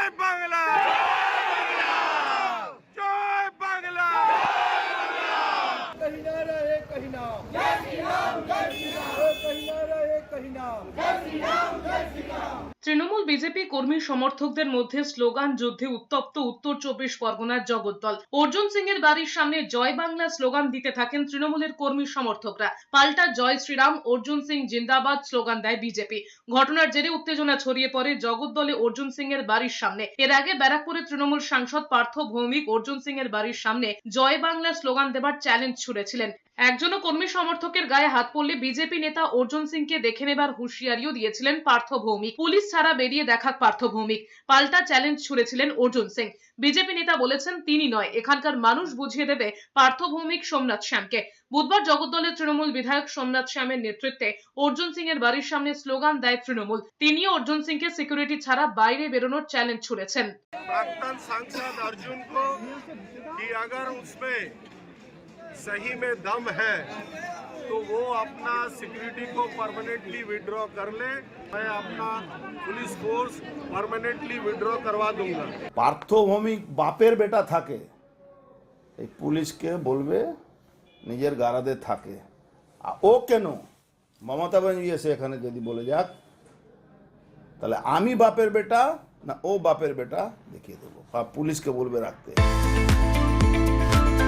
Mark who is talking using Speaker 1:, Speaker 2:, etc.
Speaker 1: জয় বাংলা, জয় বাংলা।
Speaker 2: कहीं ना रहे कहीं ना, जय श्री राम, जय श्री राम, कहीं ना रहे कहीं ना, जय श्री राम, जय श्री राम।
Speaker 3: তৃণমূল বিজেপি কর্মী সমর্থকদের মধ্যে স্লোগান যুদ্ধে উত্তপ্ত উত্তর 24 পরগনার জগদ্দল। অর্জুন সিং এর বাড়ির সামনে জয় বাংলা স্লোগান দিতে থাকেন তৃণমূলের কর্মী সমর্থকরা। পাল্টা জয় শ্রীরাম, অর্জুন সিং জিন্দাবাদ স্লোগান দেয় বিজেপি। ঘটনার জেরে উত্তেজনা ছড়িয়ে পড়ে জগদ্দলে অর্জুন সিং এর বাড়ির সামনে। এর আগে ব্যারাকপুরে তৃণমূল সাংসদ পার্থ ভৌমিক অর্জুন সিং এর বাড়ির সামনে জয় বাংলা স্লোগান দেবার চ্যালেঞ্জ ছুড়েছিলেন। একজনও কর্মী সমর্থকের গায়ে হাত পড়লে বিজেপি নেতা অর্জুন সিংকে দেখে নেবার হুঁশিয়ারিও দিয়েছিলেন পার্থ ভৌমিক। পুলিশ ছাড়া বেরিয়ে দেখাক পার্থ ভৌমিক। পাল্টা চ্যালেঞ্জ ছুড়েছিলেন অর্জুন সিং। বিজেপি নেতা বলেছেন তিনি নয়, এখানকার মানুষ বুঝিয়ে দেবে পার্থ ভৌমিক সোমনাথ শ্যামকে। বুধবার জগদ্দলের তৃণমূল বিধায়ক সোমনাথ শ্যামের নেতৃত্বে অর্জুন সিং এর বাড়ির সামনে স্লোগান দেয় তৃণমূল। তিনিও অর্জুন সিংকে সিকিউরিটি ছাড়া বাইরে বেরোনোর চ্যালেঞ্জ ছুড়েছেন।
Speaker 1: प्राक्तन सांसद अर्जुन को कि अगर उसमें सही में दम है तो वो अपना सिक्योरिटी को परमानेंटली विड्रॉ कर ले, मैं अपना पुलिस फोर्स परमानेंटली विड्रॉ करवा दूंगा।
Speaker 4: পার্থ ভৌমিক বাপের বেটা থাকে, এই পুলিশকে বলবে নিজের গারাদে থাকে। আর ও কেন মমতা ব্যানার্জি এসে এখানে যদি বলে যাক, তাহলে আমি বাপের বেটা না ও বাপের বেটা দেখিয়ে দেবো, বা পুলিশকে বলবে রাখতে।